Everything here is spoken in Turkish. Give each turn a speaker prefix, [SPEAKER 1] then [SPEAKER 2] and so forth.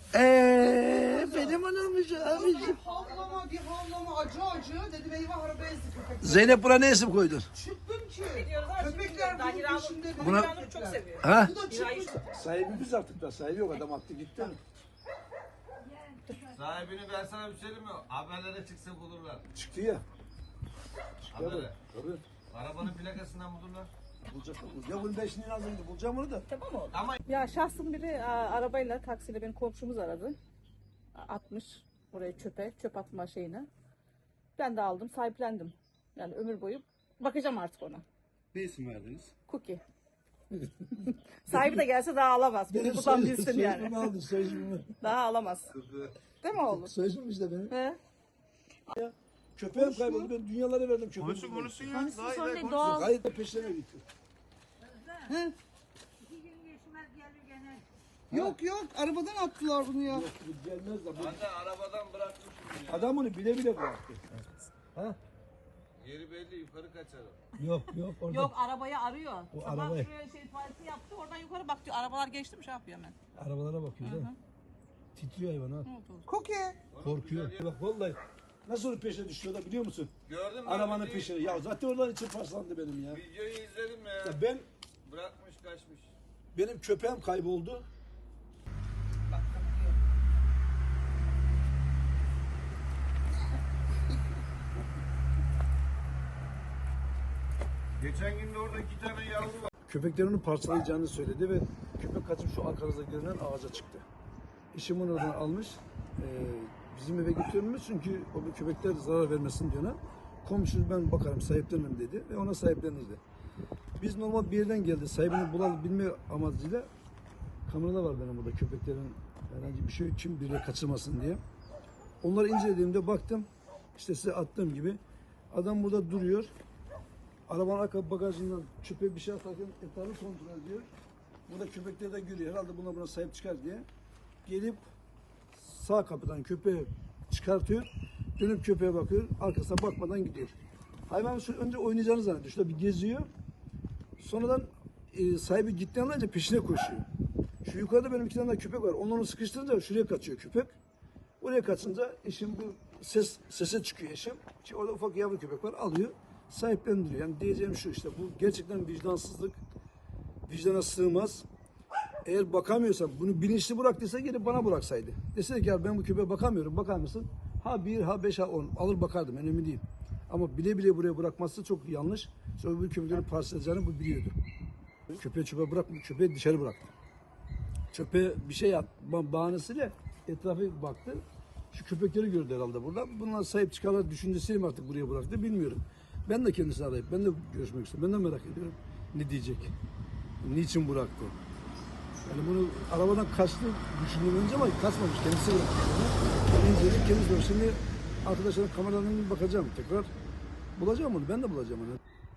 [SPEAKER 1] Benim anammış abiciğim.
[SPEAKER 2] Bir havlama acı dedim eyvah araba ezdi köpek.
[SPEAKER 1] Zeynep buna ne isim koydun?
[SPEAKER 2] Çıktım ki. Köpekler bunun peşinde.
[SPEAKER 1] Buna-
[SPEAKER 3] Hiranur çok seviyor.
[SPEAKER 1] Ha?
[SPEAKER 2] Bu da çıkmış.
[SPEAKER 1] Sahibi biz artık da sahibi yok adam attı gitti.
[SPEAKER 4] Sahibini ben sana bir söyleyeyim mi? Haberlere çıksa bulurlar.
[SPEAKER 1] Çıktı ya.
[SPEAKER 4] Habere.
[SPEAKER 1] Tabii.
[SPEAKER 4] Arabanın plakasından bulurlar.
[SPEAKER 1] Bulacak. Ya bunu ben şimdi lazım bulacağım onu da.
[SPEAKER 3] Tamam oldu.
[SPEAKER 4] Ama
[SPEAKER 3] Ya şahsın biri arabayla taksiyle benim komşumuz aradı. Atmış oraya çöp atma şeyine. Ben de aldım, sahiplendim. Yani ömür boyu bakacağım artık ona.
[SPEAKER 1] Ne isim verdiniz?
[SPEAKER 3] Cookie. Sahibi de gelse daha alamaz. Bunu buradan bilsin yani.
[SPEAKER 1] aldı sözümü.
[SPEAKER 3] Daha alamaz. Değil mi oğlum?
[SPEAKER 1] Sözüm işte benim.
[SPEAKER 3] He?
[SPEAKER 1] Köpeğim kayboldu ben dünyalara verdim köpeğimi.
[SPEAKER 4] konuşsun ya.
[SPEAKER 3] Konuşsun sonra değil, doğal.
[SPEAKER 1] Gayet de peşlerine gitti.
[SPEAKER 2] Yok arabadan attılar bunu ya.
[SPEAKER 1] Bu gelmez de.
[SPEAKER 4] Ben de arabadan bırakmışım ya.
[SPEAKER 1] Adam bunu bile bile bıraktı. Ha?
[SPEAKER 4] Yeri belli yukarı kaçarım.
[SPEAKER 1] Yok orada.
[SPEAKER 3] Yok arabayı arıyor.
[SPEAKER 1] O
[SPEAKER 3] Sabah
[SPEAKER 1] arabayı.
[SPEAKER 3] şuraya tuvaleti yaptı. Oradan yukarı bak diyor. Arabalar geçti mi şey yapıyor hemen.
[SPEAKER 1] Arabalara bakıyor değil mi? Titriyor hayvan ha.
[SPEAKER 2] Koke.
[SPEAKER 1] Korkuyor. Bak vallahi nasıl onun peşine düşüyor da biliyor musun?
[SPEAKER 4] Gördün mü?
[SPEAKER 1] Arabanın
[SPEAKER 4] Videoyu-
[SPEAKER 1] peşine. Ya zaten oradan içim paslandı benim ya.
[SPEAKER 4] Videoyu izledim ya.
[SPEAKER 1] Ya
[SPEAKER 4] Bırakmış kaçmış.
[SPEAKER 1] benim köpeğim kayboldu.
[SPEAKER 4] Geçen gün de orada 2 tane yavru var.
[SPEAKER 1] Köpeklerini parçalayacağını söyledi ve köpek kaçıp şu arkanızda görünen ağaca çıktı. İşimi oradan almış. Bizim eve götürmüş çünkü o bir köpekler zarar vermesin diyor ona. Komşu ben bakarım sahiplenmem dedi ve ona sahiplenirdi. Biz normal bir yerden geldi. Sahibini bulabilme amacıyla kamerada var benim burada köpeklerin herhangi bir şey kim biriyle kaçırmasın diye. Onları incelediğimde baktım işte size attığım gibi adam burada duruyor. Arabanın arka bagajından köpeğe bir şey atarken etrafı kontrol ediyor. Burada köpekleri de görüyor. Herhalde buna sahip çıkar diye. Gelip sağ kapıdan köpeği çıkartıyor. Dönüp köpeğe bakıyor. Arkasına bakmadan gidiyor. Hayvan şu önce oynayacağını zannediyor. Şurada bir geziyor. Sonradan sahibi gittiğini anlayınca peşine koşuyor. Şu yukarıda benim 2 tane daha köpek var. Onları sıkıştırınca şuraya kaçıyor köpek. Oraya kaçınca eşim bu sese çıkıyor eşim. Ki orada ufak yavru köpek var alıyor. Sahiplendiriyor. Yani diyeceğim şu işte bu gerçekten vicdansızlık. Vicdana sığmaz. Eğer bakamıyorsan bunu bilinçli bıraktıysa gelip bana bıraksaydı. Deseydi ki ya ben bu köpeğe bakamıyorum bakar mısın? Ha 1 ha 5 ha 10 alır bakardım önemli değil. Ama bile bile buraya bırakması çok yanlış. Sonra bu köpekleri parçalayacağını bu biliyordu. Köpeği çöpe bırakmadı, köpeği dışarı bıraktı. Çöpe bir şey at, bahanesiyle etrafa baktı. Şu köpekleri gördü herhalde burada. Bunlar sahip çıkarlar düşüncesiyle mi artık buraya bıraktı bilmiyorum. Ben de kendisini arayıp ben de görüşmek istiyorum. Ben de merak ediyorum ne diyecek. Niçin bıraktı? Yani bunu arabadan kaçtı düşündüm önce ama kaçmamış. Kendisi bıraktı. Yani inceledik kendisi bıraktı. Şimdi arkadaşların kameralarına bakacağım tekrar. Bulacağım onu. Ben de bulacağım onu.